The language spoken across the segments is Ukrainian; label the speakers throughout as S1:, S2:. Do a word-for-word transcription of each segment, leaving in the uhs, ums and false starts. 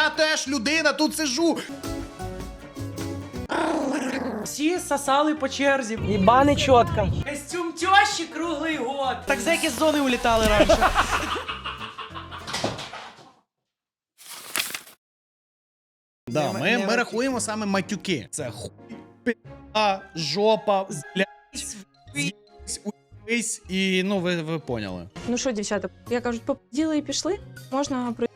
S1: я теж людина, тут сижу.
S2: Всі сосали по черзі.
S3: Ебаный четко.
S2: Костюм тещі круглий год. Так зеки з зони улітали раніше.
S1: Да,
S2: Не-
S1: ми,
S2: не
S1: ми
S2: матюки.
S1: рахуємо саме матюки. Це хуй, пи***а, жопа, блядь, з'їсь, уїсь і, ну, ви, ви поняли.
S4: Ну що, дівчата, я кажуть, поподіли і пішли. Можна про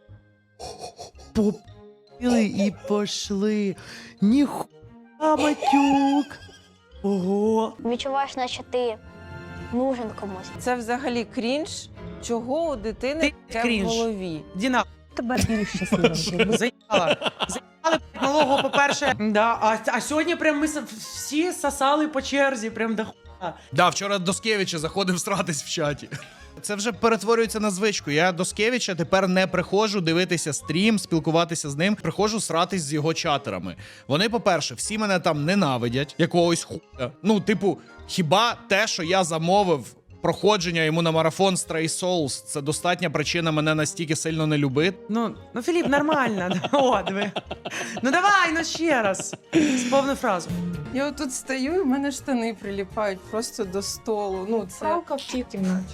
S2: Попили і пошли. Ніхуя матюк. Ого.
S5: Відчуваєш, наче ти нужен комусь.
S3: Це взагалі крінж. Чого у дитини
S2: Ти
S3: таке
S2: крінж.
S3: в голові?
S2: Діна,
S4: тебе більш щасливим.
S2: заїбала. Заїбали малого, по-перше. Да, а, а сьогодні прям ми с- всі сосали по черзі, прям до хуя.
S1: Да, вчора Доскевича заходив сратись в чаті. Це вже перетворюється на звичку. Я Доскевича тепер не приходжу дивитися стрім, спілкуватися з ним. Приходжу сратись з його чатерами. Вони, по-перше, всі мене там ненавидять, якогось хуя. Ну, типу, хіба те, що я замовив проходження йому на марафон Stray Souls, це достатня причина мене настільки сильно не любити?
S2: Ну, ну, Філіп, нормально. О, диви. Ну давай, ну ще раз. З повну фразу.
S6: Я отут стою, і в мене штани приліпають просто до столу. Ну, це
S4: Правка в тій кімнаті.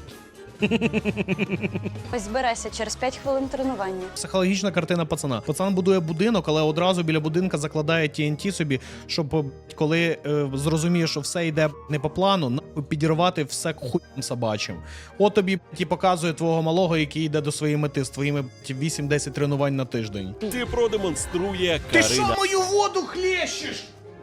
S5: Ось збирайся через п'ять хвилин тренування.
S1: Психологічна картина пацана. Пацан будує будинок, але одразу біля будинка закладає Ті Ен Ті собі, щоб коли е, зрозуміє, що все йде не по плану, нахуй підірвати все хуйом собачим. От тобі ті показує твого малого, який йде до своєї мети з твоїми вісім-десять тренувань на тиждень.
S7: Ти продемонструє
S1: Ти
S7: Карина.
S1: що мою воду хлещеш?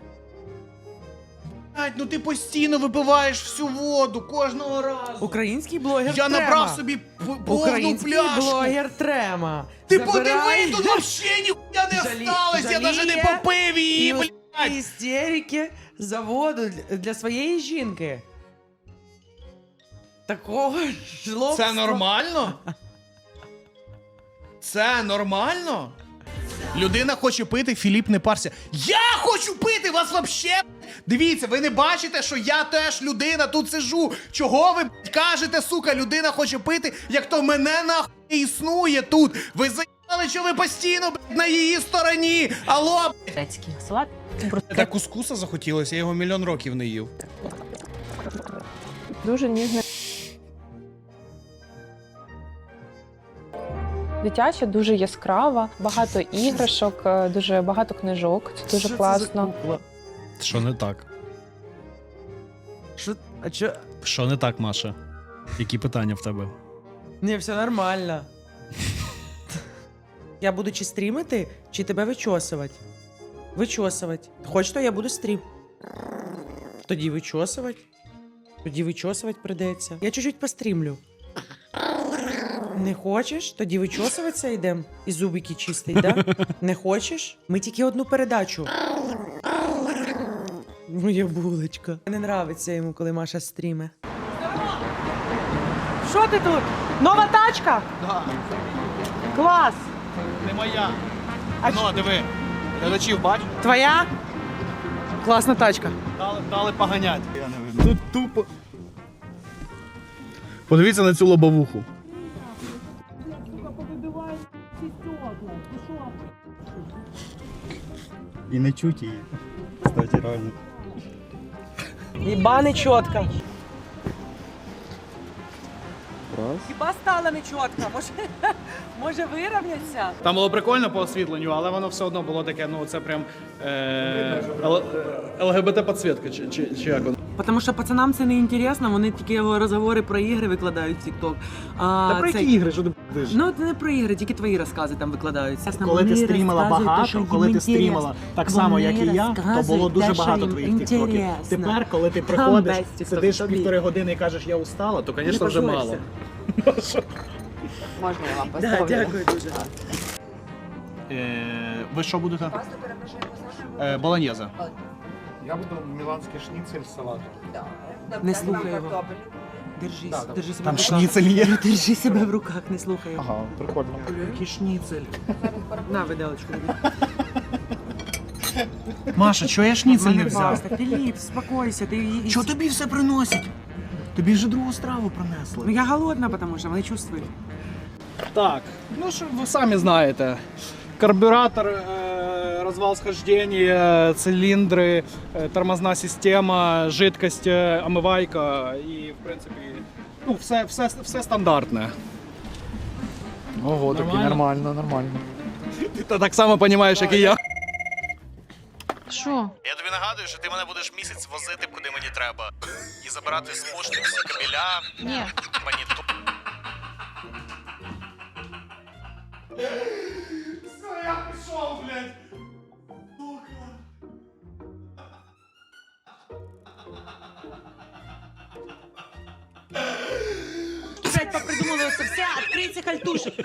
S1: Блядь, ну ти постійно випиваєш всю воду кожного разу.
S2: Український блогер
S1: Я
S2: Трема.
S1: набрав собі п- повну
S2: Український
S1: пляшку.
S2: блогер Трема.
S1: Ти
S2: Забирай
S1: подиви, тут вообще ніхуя не
S2: Жалі-
S1: осталось, я навіть не
S2: жаліє
S1: попив її,
S2: і
S1: блядь.
S2: істерики за воду для- для своєї жінки. Такого жлобства.
S1: Це нормально? Це нормально? Людина хоче пити, Філіп не парся. Я хочу пити, вас вообще... Дивіться, ви не бачите, що я теж людина, тут сижу. Чого ви блядь, кажете, сука, людина хоче пити, як то мене нахуй не існує тут. Ви заїбали, що ви постійно блядь, на її стороні. Алло, блядь.
S4: Грецький салат.
S1: Так кускуса захотілося, я його мільйон років не їв.
S4: Дуже ніжне. Дитяча, дуже яскрава, багато іграшок, е, дуже багато книжок. Це дуже
S2: Що це
S4: класно.
S2: за кукла?
S1: Що не так?
S2: Що? А чо?
S1: Що не так, Маша? Які питання в тебе?
S2: Ні, все нормально. Я буду чи стрімити, чи тебе вичосувати? Вичосувати. Хочеш, то я буду стрім. Тоді вичосувати. Тоді вичосувати придеться. Я чуть-чуть пострімлю. Не хочеш? Тоді вичосуватися йдемо. І зубики чистить, да? Не хочеш? Ми тільки одну передачу. Моя булочка. Не нравиться йому, коли Маша стріме. Що ти тут? Нова тачка?
S1: Да,
S2: Клас!
S1: не моя.
S2: А
S1: Ну, диви, глядачів бач,
S2: Твоя? Класна тачка.
S1: дали, дали поганять. Тут тупо. Подивіться на цю лобовуху.
S8: І не чуть її. Кстати, реально.
S3: Ебаный четко.
S8: Раз.
S3: Хіба стало не чітко? Може, може вирівняться?
S1: Там було прикольно по освітленню, але воно все одно було таке, ну це прям е, ЛГБТ-підсвітка, чи, чи, чи як воно.
S2: Тому що пацанам це не інтересно, вони тільки розговори про ігри викладають в TikTok. А,
S8: Та про
S2: це-
S8: які ігри, що ти будеш?
S2: Ну, не про ігри, тільки твої розкази там викладаються.
S8: Коли ти стрімила багато, коли ти стрімила так само, як і я, то було дуже багато твоїх тіктоків. Тепер, коли ти приходиш, сидиш півтори години і кажеш, я устала, то, звісно, вже мало.
S6: можна я вам
S2: Да,
S6: поставлю?
S2: дякую дуже.
S1: Е, ви що будете? Е, Болоньєза.
S9: Я буду міланський шніцель з салатом.
S2: Не слухай його. Держись, держи себе
S1: Там
S2: в руках.
S1: шніцель є.
S2: Держи себе в руках, не слухай його.
S9: Ага, прикольно.
S2: Який шніцель. На, виделочку.
S1: Маша, чого я шніцель не взяв?
S2: Філіп, спокойся. Ти...
S1: Чого тобі все приносять? Тобі вже другу страву принесли.
S2: Ну я голодна, тому що вони чувствують.
S1: Так, ну що ви самі знаєте.
S8: Карбюратор, э, развал схождения, цилиндры, э, тормозна система, жидкость, э, омивайка і, в принципі, ну, все, все, все стандартне.
S9: Ого, таки
S8: Нормально?
S9: нормально, нормально.
S1: Ти так само розумієш, як і я.
S10: Що?
S1: Я тобі нагадую, що ти мене будеш місяць возити, куди мені треба. І забирати з пошти всі кабеля,
S10: Ні.
S1: моніту. Все, я пішов, блядь.
S2: Блять, попридумывали це все, відкрийся хальтушек.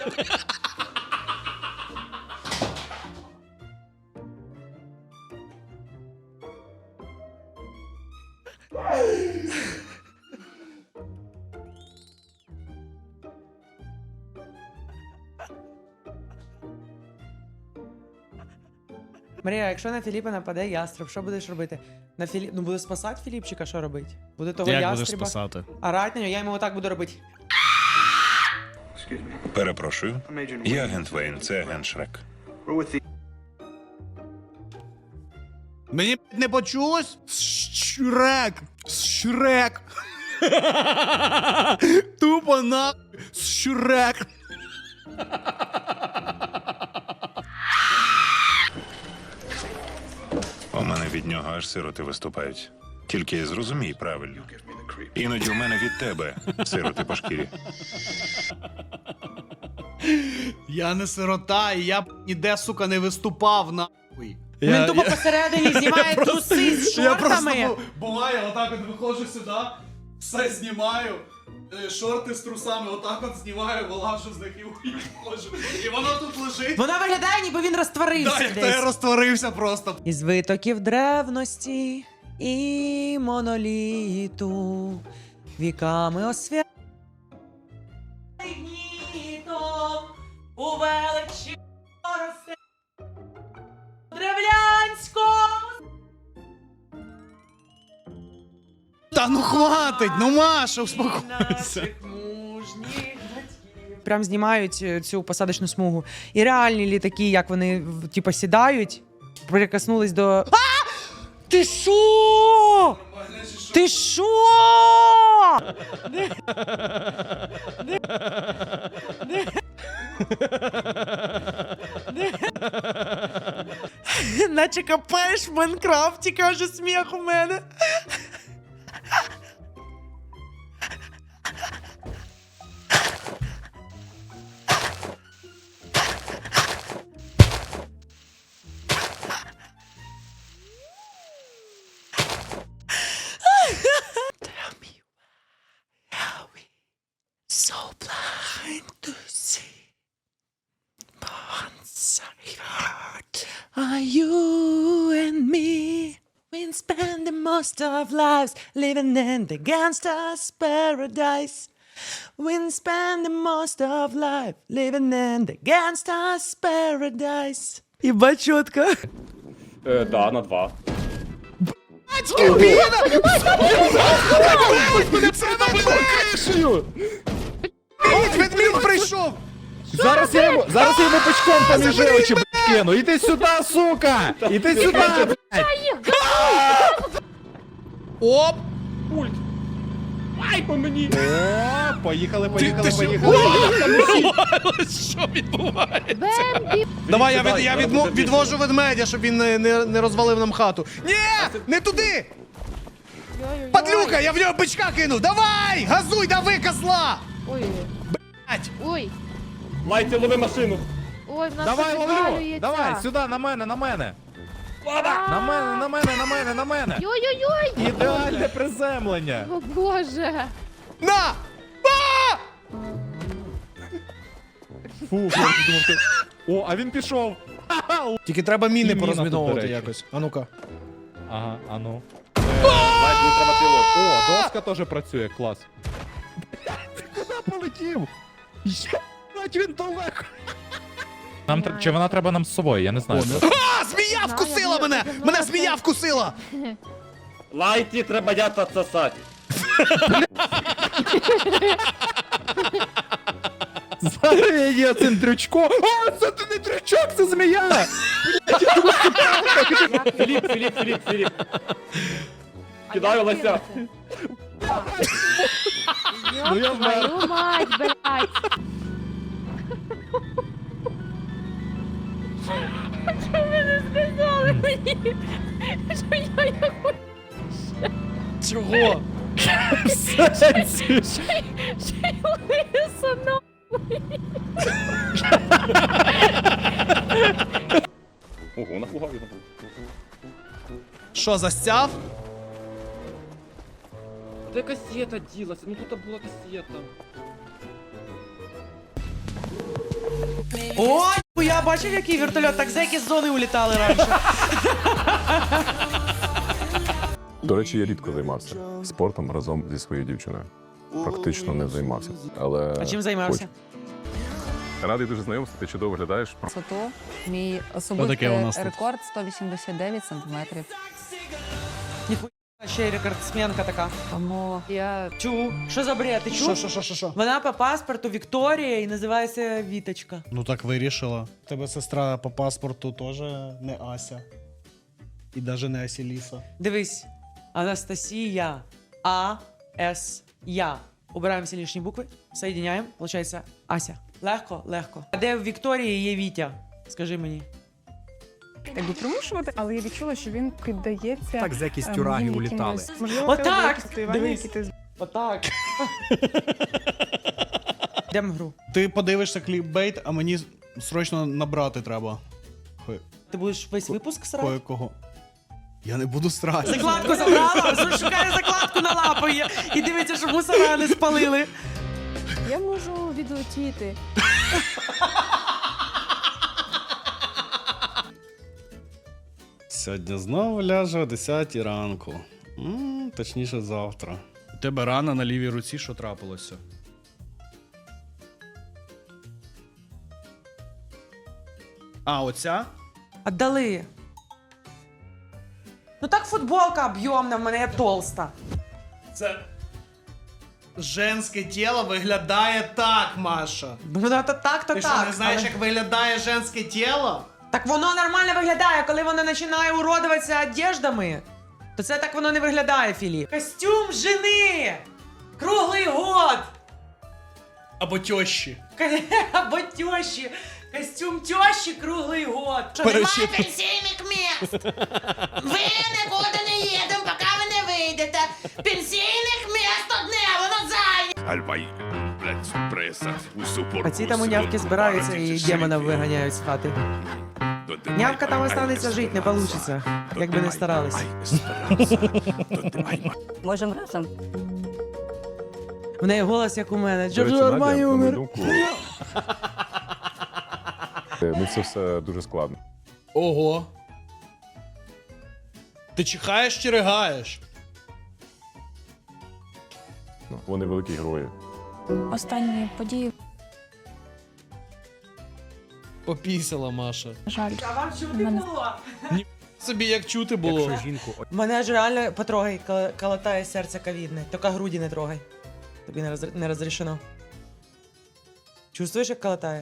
S2: Марія, якщо на Філіпа нападе ястреб, що будеш робити? На Філіп... Ну буде спасати Філіпчика, що робити? Буде того
S1: Як будеш
S2: ястреба.
S1: спасати?
S2: Орать на нього, я йому отак буду робити.
S11: Перепрошую. Я агент Вейн, це агент Шрек.
S1: Мені не почулось? Шрек! Шрек! Тупо на Шрек!
S11: У мене від нього аж сироти виступають. Тільки зрозумій правильно. Іноді у мене від тебе сироти по шкірі.
S1: Я не сирота, і я б ніде, сука, не виступав, нахуй.
S2: Він тупо посередині знімає труси з
S1: Я просто
S2: шортами.
S1: бу- буває, отак от виходжу сюди, все знімаю, е, шорти з трусами, отак от знімаю, вилажу з них і виходжу. І воно тут лежить.
S2: Вона виглядає, ніби він розтворився
S1: Да, як то
S2: десь.
S1: я розтворився просто.
S2: Із витоків древності і моноліту віками освя... у величі росте древлянському.
S1: Та ну хватить, ну Маша, успокойся.
S2: Прям знімають е, цю посадочну смугу. І реальні літаки, як вони в- типу сідають, прикоснулись до. А! Ти шо? Ти шо? Не- не- не- не- Наче копаєш в Майнкрафті, каже сміх у мене. Tell me how we so blind to see. Once I heard are you and me. We spend the most of lives living in the gangster's paradise. We spend the most of life living in the gangster's paradise. Єба чітко.
S9: Е, да, на два.
S1: Ведмідь прийшов!
S9: Зараз я йому, зараз я йому пучком поміж очі, блядь, кину. Іди сюди, сука! Іди сюди, блядь!
S1: Оп!
S9: Пульт! Ай, по мені! О, поїхали, поїхали,
S1: ти що?
S9: поїхали.
S1: Що відбувається? Давай, я, від, я відмо- відвожу ведмедя, щоб він не, не, не розвалив нам хату. Ні! Не туди! Падлюка, я в нього бичка кинув! Давай! Газуй, дави, козла!
S10: Ой,
S1: Блять!
S10: ой,
S9: Лайті, лови машину!
S10: ой, в нас
S9: Давай,
S10: тут
S9: ловлю!
S10: відвалюється.
S9: Давай, сюди, на мене, на мене! На мене, на мене, на мене, на мене!
S10: Йой-йой-йой!
S9: Ідеальне приземлення!
S10: О боже!
S1: На! А!
S9: Фу, я думав, ти... О, а він пішов!
S1: Тільки треба
S9: І
S1: міни
S9: міна тут,
S1: порозміновувати
S9: до речі.
S1: якось. А ну-ка.
S9: Ага, а ну. Лайт, мені треба пілот. О, доска теж працює, клас. Ти куди полетів? Єбать, він далеко. Нам тр- чи вона треба нам з собою, я не знаю.
S1: А, змія вкусила мене! Мене змія вкусила!
S9: Лайті треба ята сосати. Зараз є цим дрючком. О, це ти не дрючок, це змія!
S8: Філіп, Філіп, Філіп, Філіп.
S9: Кидаю лося. Ну я вмер.
S10: Твою мать, блядь. Що ви не сказали мені? Що я яку
S1: Чого?
S9: В сенсі.
S10: ще й лиса, ну.
S9: Ого, напугав його.
S1: Що, застяв?
S9: Де касета ділася? Ну тут була касета.
S2: Ой, я бачив, який вертольот, так зеки з зони улітали раніше.
S12: До речі, я рідко займався спортом разом зі своєю дівчиною. Практично не займався. Але
S2: А чим займався?
S12: хочу. Радий дуже знайомству, ти чудово виглядаєш.
S6: Висоту. Мій
S1: таке у
S6: особистий
S1: нас тут?
S6: рекорд сто вісімдесят дев'ять сантиметрів.
S2: Ніхуя, ще й рекордсменка така.
S6: Тому я
S2: Чу, що за бред, ти чу?
S1: Що, що, що, що, що?
S2: Вона по паспорту Вікторія і називається Віточка.
S1: Ну так вирішила. Тебе сестра по паспорту теж не Ася. І навіть не Асіліса.
S2: Дивись, Анастасія, А, С, Я. Убираємо всі лишні букви, соєдиняємо, виходить Ася. Легко, легко. А де в Вікторії є Вітя? Скажи мені.
S6: якби примушувати, але я відчула, що він піддається.
S8: Так, з якісь
S6: ем,
S8: тюраги
S6: їм
S8: улітали.
S6: якимось- Можливо,
S2: Отак!
S6: це деякі татуювання,
S2: Дивись.
S6: які ти
S2: Отак. Йдемо в гру.
S1: Ти подивишся кліпбейт, а мені срочно набрати треба. Хой,
S2: Ти будеш весь випуск срати?
S1: кого. Я не буду срати.
S2: Закладку забрала, шукає закладку на лапи і дивиться, щоб мусора не спалили.
S10: Я можу відлетіти.
S1: Сьогодні знову ляже о десятій ранку. М, точніше, завтра. У тебе рана на лівій руці, що трапилося? А, оця?
S2: Отдали. Ну так футболка об'ємна, в мене я толста.
S1: Це. Женське тіло виглядає так, Маша.
S2: Ну то так, то
S1: Ти
S2: так.
S1: що, не знаєш,
S2: але-
S1: як виглядає женське тіло?
S2: Так воно нормально виглядає, коли воно починає уродуватися одеждами. То це так воно не виглядає, Філіп. Костюм жени! Круглий год!
S1: Або тьощі.
S2: Або тещі. Костюм тещі круглий год. Що,
S1: Перечитую.
S2: немає пенсійних міст? Ви нікуди не їдемо, поки ви не вийдете. Пенсійних міст одне, воно зайняте. А ці там унявки збираються і демона виганяють з хати. Нявка там останеться жити, не вийде, як би не старались.
S6: Можемо разом.
S2: В неї голос, як у мене.
S12: До
S2: Джорджо
S12: речі, Надя,
S2: Армані
S12: на мою
S2: умер.
S12: думку, е, ну це все дуже складно.
S1: Ого. Ти чихаєш чи ригаєш?
S12: Ну, вони великі герої.
S6: Останні події,
S1: Попісила, Маша.
S6: на жаль.
S2: А вам чути
S6: Мене-
S2: було?
S1: Собі як чути було.
S8: Якщо жінку
S2: Мене ж реально потрогай, коли калатає серце ковідне. Тільки груді не трогай. Тобі не, роз... не розрішено. Чувствуєш, як калатає?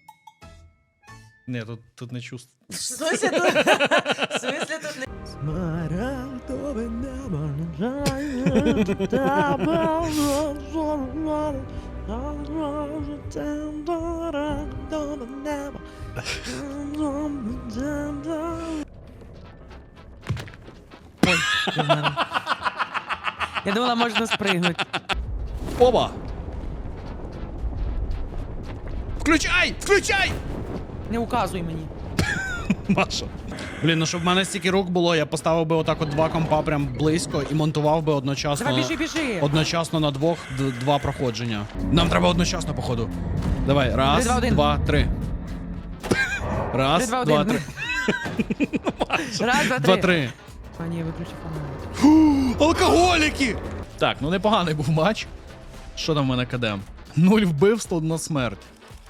S1: Ні, тут, тут не чувствую.
S2: В смысле тут? В смысле тут не... Смарагдове небо Ой, я думала, можна спригнути.
S1: Оба! Включай! Включай!
S2: Не указуй мені.
S1: Маша. Блін, ну щоб в мене стільки рук було, я поставив би отак от два компа прям близько і монтував би одночасно.
S2: Давай, біжи, біжи.
S1: Одночасно на двох д- два проходження. Нам треба одночасно, походу. Давай, раз,
S2: Три, два, один.
S1: два, три. Раз,
S2: Три, два,
S1: два,
S2: один.
S1: три.
S2: Раз, два, три.
S1: Два, три.
S2: А, ні, виключи фонарик.
S1: Алкоголіки! Так, ну непоганий був матч. Що там в мене кадем? Нуль вбивств, одна смерть.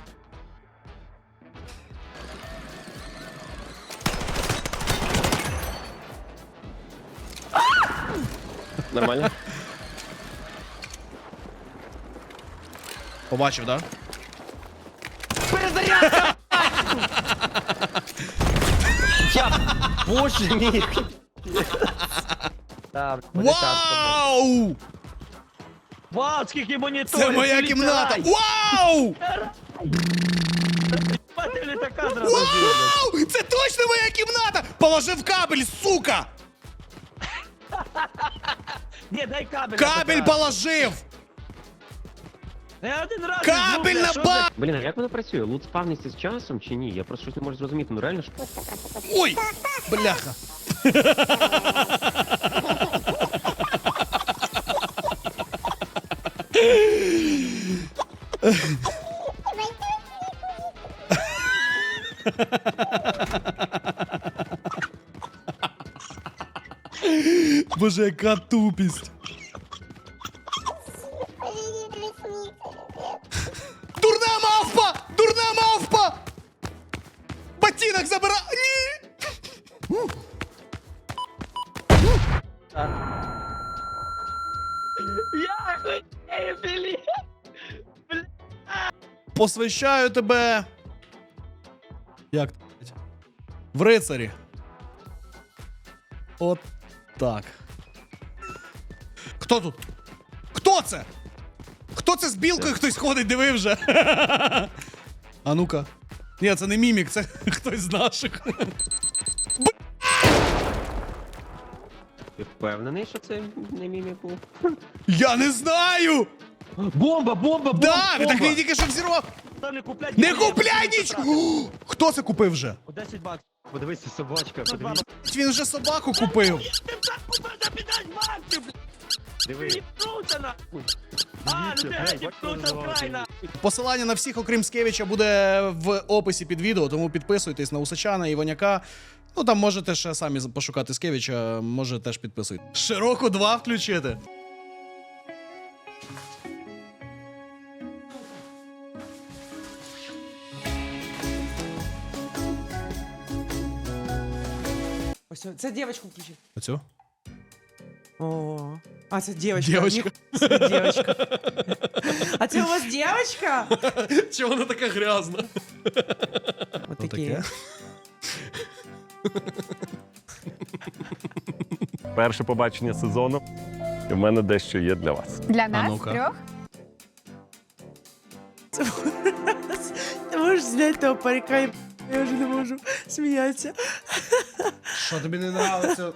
S9: Нормально?
S1: Побачив, да?
S8: Боже мій!
S1: Вау!
S8: Вау, скільки моніторів!
S1: Це моя кімната! Вау! Вау! Це точно моя кімната! Положив кабель, сука!
S8: Ні, дай кабель!
S1: Кабель положив!
S8: Я один раз
S1: Кабель на ба...
S13: Блін, а як воно працює? Лут спавниться з часом чи ні? Я просто щось не можу зрозуміти. Ну реально ж.
S1: Ой! Бляха! Боже, яка тупість! Дурна мавпа! Дурна мавпа! Ботинок забира... Ні!
S8: Я хотів, блін!
S1: Посвящаю тебе... Як? В рицарі. От так. Хто тут? Хто це? Хто це з білкою хтось ходить, диви вже? А ну-ка. Ні, це не мімік, це хтось з наших.
S13: Ти впевнений, що це не мімік був?
S1: Я не знаю!
S8: Бомба, бомба, бомба!
S1: Да,
S8: бомба.
S1: так він тільки що взірвав.
S8: Не купляй!
S1: Не купляй нічого! Хто це купив вже?
S8: десять баксів.
S13: Подивися, собачка, подивись.
S1: Він вже собаку купив.
S13: Диви.
S8: А, ну ти геть вкнувся вкрай, на!
S1: Посилання на всіх, окрім Скевича, буде в описі під відео, тому підписуйтесь на Усачана, Іваняка. Ну там можете ще самі пошукати Скевича, може теж підписуйтесь. Широку два включити.
S2: Ось, це дівчинку включи.
S1: Оцю?
S2: О, а це дівчинка.
S1: Дівчинка.
S2: Це дівчинка. А це у вас дівчинка?
S1: Чого вона така грязна?
S2: Отакі.
S12: Перше побачення сезону. І в мене дещо є для вас.
S10: Для нас
S1: ну-ка.
S10: трьох?
S2: Ти можеш зняти того парика, і я вже не можу сміятися.
S1: Що тобі не нравиться?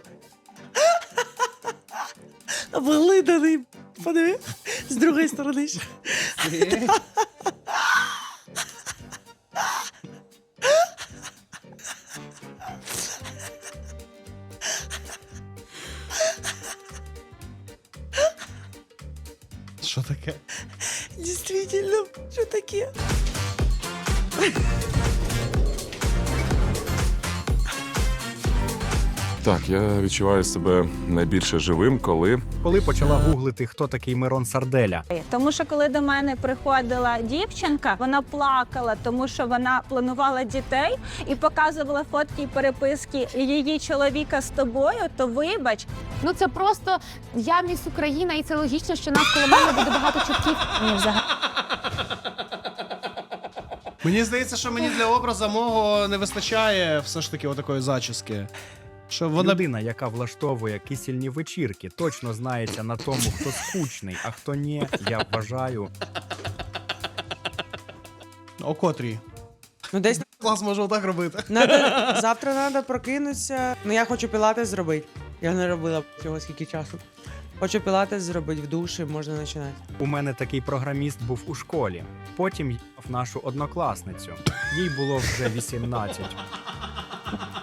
S2: Виглиданий. Подиви. З другої сторони. ще.
S1: Що таке?
S2: Дійсно, що таке?
S12: Так, я відчуваю себе найбільше живим, коли
S8: Коли почала гуглити, хто такий Мирон Сарделя.
S10: Тому що коли до мене приходила дівчинка, вона плакала, тому що вона планувала дітей і показувала фотки і переписки її чоловіка з тобою, то вибач.
S4: Ну це просто я міс Україна, і це логічно, що нас коло мене буде багато чутків. Ні, взагалі.
S1: Мені здається, що мені для образу мого не вистачає все ж таки отакої зачіски. Що вона...
S8: Людина, яка влаштовує кисельні вечірки, точно знається на тому, хто скучний, а хто ні, я вважаю.
S1: О котрій?
S2: Ну десь
S1: Клас може отак робити.
S2: надо, завтра треба прокинутися. Ну я хочу пілатес зробити. Я не робила цього скільки часу. Хочу пілатес зробити в душі, можна починати.
S8: У мене такий програміст був у школі. Потім їв нашу однокласницю. Їй було вже вісімнадцять.